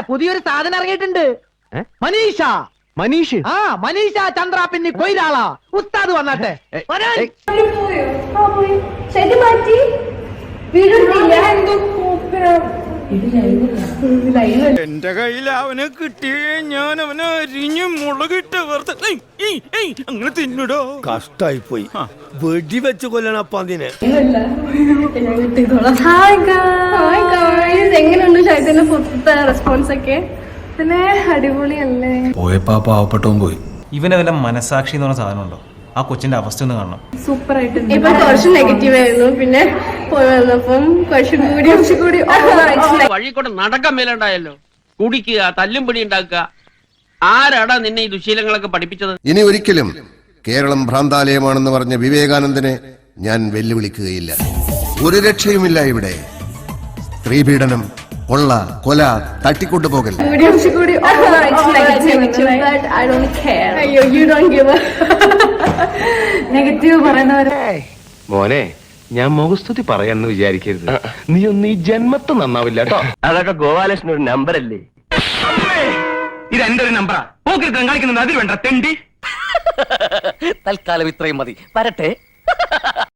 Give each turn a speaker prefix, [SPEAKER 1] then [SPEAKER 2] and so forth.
[SPEAKER 1] പുതിയൊരു സാധനം ഇറങ്ങിയിട്ടുണ്ട്. മനീഷ
[SPEAKER 2] മനീഷ്
[SPEAKER 1] മനീഷ ചന്ദ്ര പിന്നെ കൊയിലാളാ ഉസ്താദ് വന്നാട്ടെ.
[SPEAKER 3] എന്റെ കയ്യിൽ അവനെ കിട്ടിയേ ഞാൻ അവനെ അരിഞ്ഞ് മുളകിട്ട് അങ്ങനെ തിന്നിടോ.
[SPEAKER 4] കഷ്ടായി പോയി. വെടിവെച്ച് കൊല്ലണം അപ്പൊ അതിനെ.
[SPEAKER 5] എങ്ങനെയുണ്ട് ഷൈദിന്റെ പുറത്തെ റെസ്പോൺസ് ഒക്കെ? പിന്നെ അടിപൊളിയല്ലേ?
[SPEAKER 6] പോയപ്പോ പാവപ്പെട്ടവും പോയി.
[SPEAKER 7] ഇവനെ വല്ല മനസാക്ഷി എന്ന് പറഞ്ഞ സാധനം ഉണ്ടോ? ആ കൊച്ചിന്റെ അവസ്ഥ ഒന്ന് കാണണം.
[SPEAKER 5] സൂപ്പർ ആയിട്ടുണ്ട്. ഇപ്പൊ കുറച്ച് നെഗറ്റീവ് ആയിരുന്നു, പിന്നെ പോയി വന്നപ്പം കുറച്ചുകൂടി
[SPEAKER 8] വഴി കൂടെ നടക്കാൻ മേലുണ്ടായല്ലോ. കുടിക്കുക, തല്ലും പിടി ഉണ്ടാക്കുക. ആരാടാ നിന്നെ ഈ ദുശീലങ്ങളൊക്കെ പഠിപ്പിച്ചത്?
[SPEAKER 9] ഇനി ഒരിക്കലും കേരളം ഭ്രാന്താലയമാണെന്ന് പറഞ്ഞ വിവേകാനന്ദനെ ഞാൻ വെല്ലുവിളിക്കുകയില്ല. ഒരു രക്ഷയുമില്ല ഇവിടെ. സ്ത്രീപീഡനം, കൊള്ള, കൊല, തട്ടിക്കൊണ്ടുപോകൽ.
[SPEAKER 5] നെഗറ്റീവ് പറയുന്നവരെ
[SPEAKER 2] മോനെ, ഞാൻ മുഖസ്തുതി പറയാന്ന് വിചാരിക്കരുത്. നീ ഒന്ന് ഈ ജന്മത്ത് നന്നാവില്ല കേട്ടോ.
[SPEAKER 3] അതൊക്കെ ഗോപാലകൃഷ്ണൻ ഒരു നമ്പർ അല്ലേ?
[SPEAKER 2] ഇത് എന്റെ ഒരു നമ്പറാ. പോക്കിരുത്തം കാണിക്കുന്നത് അതിൽ വേണ്ട തെണ്ടി.
[SPEAKER 8] തൽക്കാലം ഇത്രയും മതി. വരട്ടെ.